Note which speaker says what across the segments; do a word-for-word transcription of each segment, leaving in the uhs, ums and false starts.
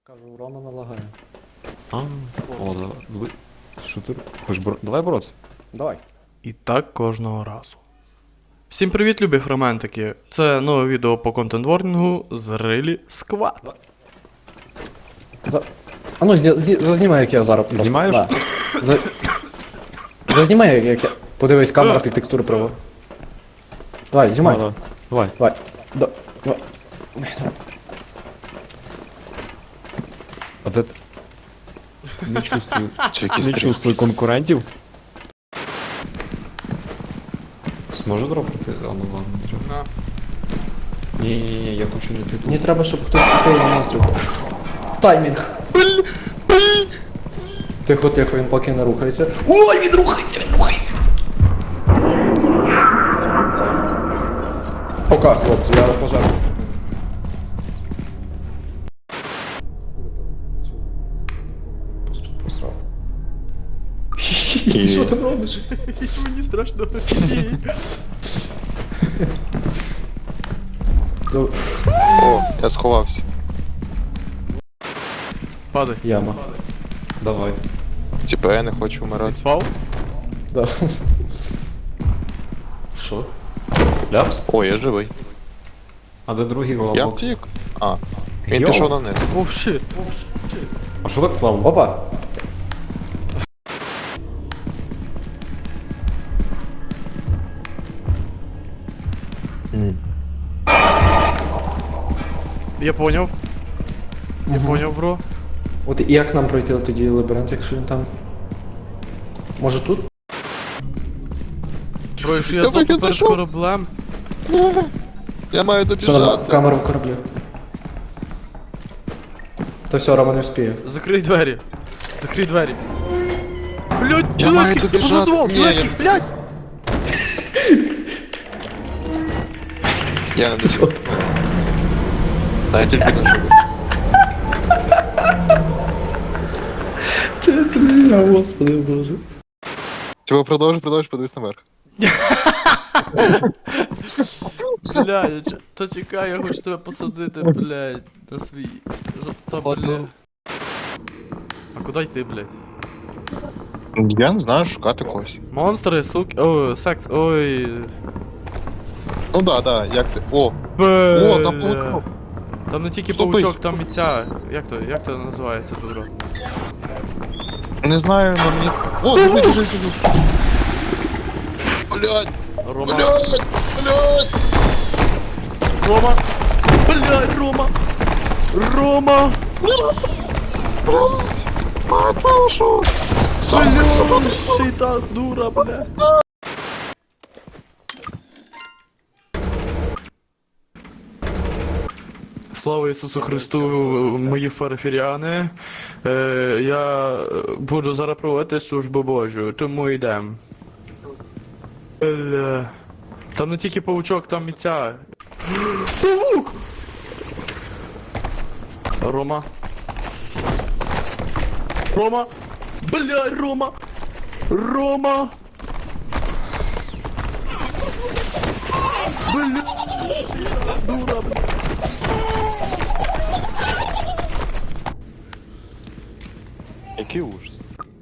Speaker 1: Кажу, у Рома налагає.
Speaker 2: А, о, давай. Ви- Що ти? Хочеш бор... Давай боротися.
Speaker 1: Давай.
Speaker 3: І так кожного разу. Всім привіт, любі фроментики! Це нове відео по контент-ворнінгу з Рилі Сквад.
Speaker 1: Да. А ну, зні... зні... зазнімай, як я зараз. просто-
Speaker 2: Знімаєш?
Speaker 1: Да. За... Зазнімай, як- як я. Подивись, камера під текстури права. Давай, знімай.
Speaker 2: Давай. Давай.
Speaker 1: Давай. Да. Давай.
Speaker 2: А де ти? Не чувствую.
Speaker 4: Чи якісь
Speaker 2: Не
Speaker 4: крі-
Speaker 2: чувствую конкурентів. Зможе дропати? А, ну ладно, не треба. Ні, ні, ні, я хочу не ти
Speaker 1: Мені
Speaker 2: тут.
Speaker 1: треба, щоб хтось світив на настрій. В таймінг. Тихо, тихо, він поки не рухається. Ой, він рухається, він рухається. Пока, хлопці, я пожарю. Посрав.
Speaker 4: І-
Speaker 1: Що ти робиш?
Speaker 3: Мені страшно.
Speaker 1: До-
Speaker 4: О, я сховався.
Speaker 3: Падай.
Speaker 1: Яма.
Speaker 2: Давай.
Speaker 4: Типа я не хочу вмирати.
Speaker 3: Пав?
Speaker 1: Да. Що?
Speaker 2: Ляпс?
Speaker 4: О, я живий.
Speaker 2: А де другий
Speaker 4: Я
Speaker 2: головок?
Speaker 4: втік. А, він
Speaker 2: Йоу.
Speaker 4: пішов на низ.
Speaker 3: О, щит.
Speaker 2: А що так плавно?
Speaker 1: Опа!
Speaker 3: Я поняв. Я поняв, бро.
Speaker 1: От і як нам пройти тоді лабіринт, якщо він там. Може тут?
Speaker 3: Бро, якщо я
Speaker 4: Я
Speaker 3: знову
Speaker 4: вихід
Speaker 3: перед
Speaker 4: знайшов.
Speaker 3: кораблем.
Speaker 4: Я маю
Speaker 1: Все, на
Speaker 4: добіжати.
Speaker 1: камеру в кораблі. Та все, Рома не вспіє.
Speaker 3: Закрий двері. Закрий двері. Блять,
Speaker 4: Я маю
Speaker 3: Білецький,
Speaker 4: добіжати.
Speaker 3: позадував,
Speaker 4: Ні,
Speaker 3: Білецький,
Speaker 4: я-
Speaker 3: блять!
Speaker 4: Я не добіжу. Та я тільки не живу.
Speaker 1: Чи це не я, господи боже.
Speaker 4: Типа продовжуй, продовжуй, подивись наверх.
Speaker 3: Блядь, я ч- та чекай, я хочу тебе посадити, блядь, на свій. Ж- Та, блядь. А куди йти, блядь?
Speaker 4: Я не знаю, шукати когось.
Speaker 3: Монстри, суки, о, секс, ой.
Speaker 4: Ну да, да, як ти. О,
Speaker 3: Бля.
Speaker 4: там паучок.
Speaker 3: Там не тільки
Speaker 4: Стопись.
Speaker 3: паучок, там і ця. Як то, як то називається дура?
Speaker 4: не знаю, но мені. О, біжи, біжи, біжи. Блядь,
Speaker 3: Рома.
Speaker 4: блядь, блядь.
Speaker 3: Рома. Блядь, Рома. Рома.
Speaker 4: Блядь. А, прошу.
Speaker 3: Блядь, ще й та дура, блядь. Слава Ісусу Христу, мої фарфіряни. Е, я буду зараз проводити службу Божу, тому йдем. Бля. Там не тільки паучок, там і ця. Павук! Рома. Рома! Бля, Рома! Рома! Бля! Дура, бля!
Speaker 2: Який ужас.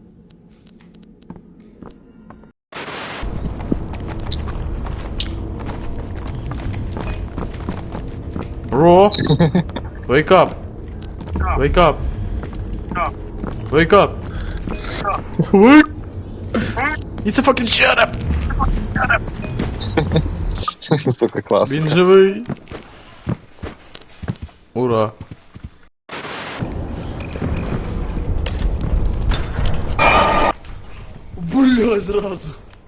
Speaker 3: Bro, wake up. Wake up. Wake up. Wake. It's a fucking shut up.
Speaker 4: Сука, клас.
Speaker 3: Він живий. Ура. Бля, зразу.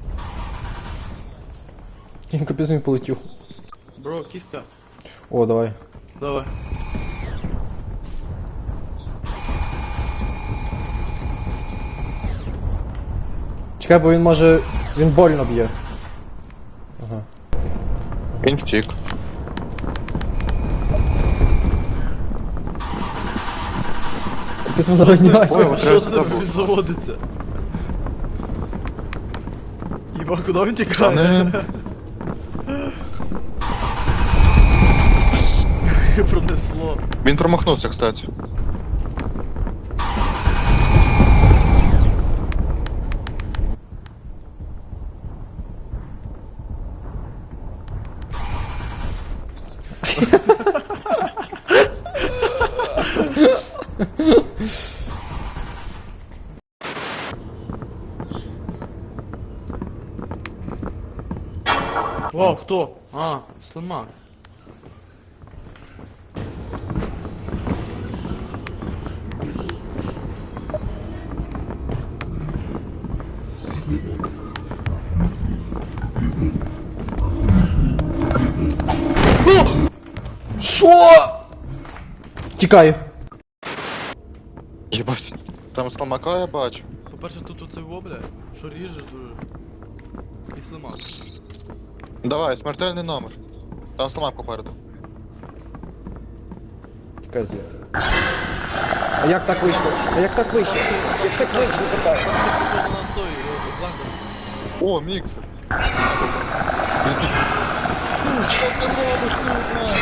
Speaker 1: Він капець мені полетів.
Speaker 3: Бро, кіска.
Speaker 1: О, давай.
Speaker 3: Давай.
Speaker 1: Чекай, бо він може. Він больно б'є. Ага.
Speaker 4: Він втік.
Speaker 1: Капець не завиняє.
Speaker 4: Ой,
Speaker 3: А
Speaker 4: от
Speaker 3: що
Speaker 4: треба
Speaker 3: це
Speaker 4: сюди
Speaker 3: тобі заводиться? Єба, куди він
Speaker 4: Це
Speaker 3: тікає?
Speaker 4: не...
Speaker 3: Пронесло.
Speaker 4: Він промахнувся, кстати.
Speaker 3: Вау, хто? А, слимак.
Speaker 1: Що? Тікаю.
Speaker 4: Єбать. Там сломака я бачу.
Speaker 3: По-перше, тут оце во, бля, що ріже дуже. І слимак.
Speaker 4: Давай, смертельний номер. Там сломак попереду.
Speaker 1: Тікай звідси. А як так вийшло? А як так вийшло? Як так вийшло, питаю?
Speaker 3: Пішов на нас той, Блендер.
Speaker 4: О, міксер. Що ти робиш, курва?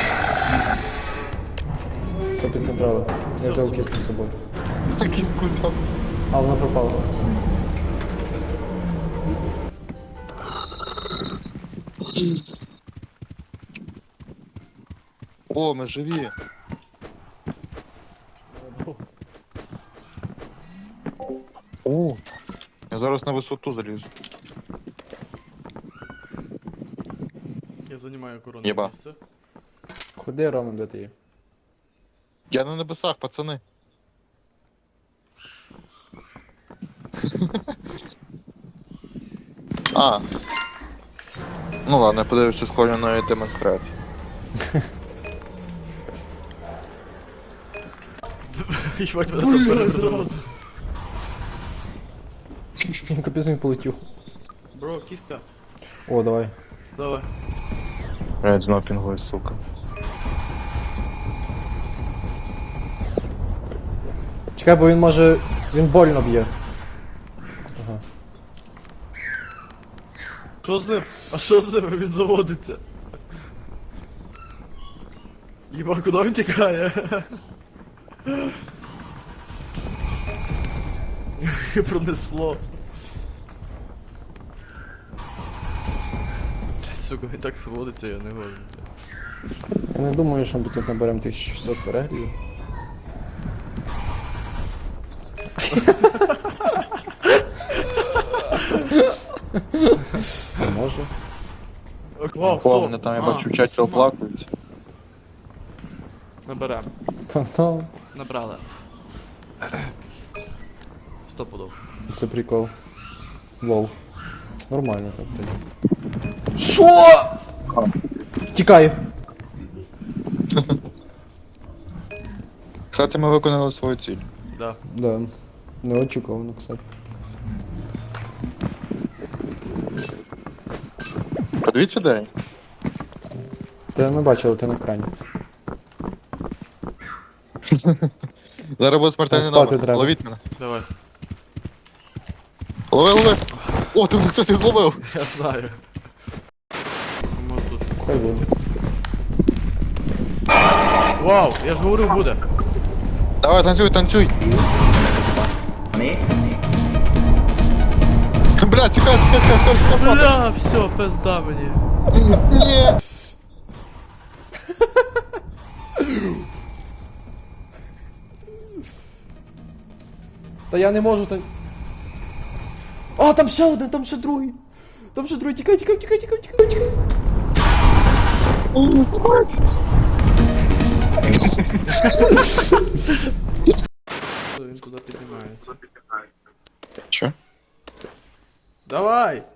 Speaker 1: Все під контролем. Я взяв кістку з собою.
Speaker 4: Такий скусав.
Speaker 1: А вона пропала.
Speaker 4: О, ми живі. О, я зараз на висоту залізу.
Speaker 3: Я займаю корону
Speaker 4: Єба.
Speaker 3: місце.
Speaker 1: Ходи, Рома, де ти є?
Speaker 4: Я на небесах, пацани. А. Ну ладно, я подивився скоєної демонстрації.
Speaker 3: Їбать, мене там перезразу.
Speaker 1: Капець він полетів.
Speaker 3: Бро, кістка.
Speaker 1: О, давай.
Speaker 3: Давай.
Speaker 4: Я знов пінгую, сука.
Speaker 1: Чекай, бо він може... Він больно б'є. Ага.
Speaker 3: Що з ним? А що з ним? Він заводиться. Єба, куди він тікає? І пронесло. Блядь, сука, він так заводиться, я не годен.
Speaker 1: Я не думаю, що ми тут наберемо тисячу шістсот переглядів. А може.
Speaker 3: Вау,
Speaker 4: О, мене там я бачу в чаті оплакується.
Speaker 3: Наберем.
Speaker 1: Фантом.
Speaker 3: Набрали. Сто пудов.
Speaker 1: Це прикол. Лол. Нормально так тоді. Що? Тікаю.
Speaker 4: Кстати, ми виконали свою ціль.
Speaker 3: Да.
Speaker 1: Да. Неочікувано, кстати.
Speaker 4: Подивіться, де я.
Speaker 1: Ти не бачив, ти на екрані.
Speaker 4: Зараз буде смертельний
Speaker 1: Там спати
Speaker 4: номер.
Speaker 1: треба.
Speaker 4: Ловіть мене.
Speaker 3: Давай.
Speaker 4: Лови, лови. О, ти мене, кстати, зловив.
Speaker 3: Я знаю. Може тут щось.
Speaker 1: Хай буде.
Speaker 3: Вау, я ж говорив буде.
Speaker 4: Давай, танцюй, танцюй. Бля, тікай, тікай, тікай, все, все, все.
Speaker 3: Бля, все, пизда мені.
Speaker 4: Ні.
Speaker 1: Та я не можу так. А, там ще один, там ще другий. Там ще другий, тікай, тікай, тікай, тікай, тікай, тікай.
Speaker 3: Він туди піднімається.
Speaker 4: Що?
Speaker 3: Давай!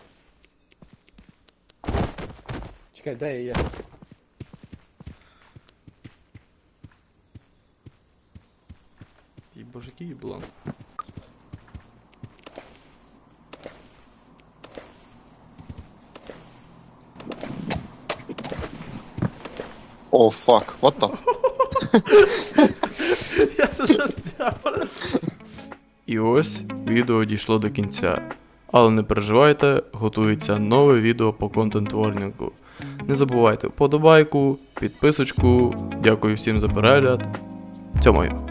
Speaker 1: Чекай, де я є?
Speaker 3: І боже, який бланк.
Speaker 4: О, фак, what the?
Speaker 3: Я це засняв. І ось відео дійшло до кінця. Але не переживайте, готується нове відео по контент-ворнінгу. Не забувайте вподобайку, підписочку. Дякую всім за перегляд. Цьомаю.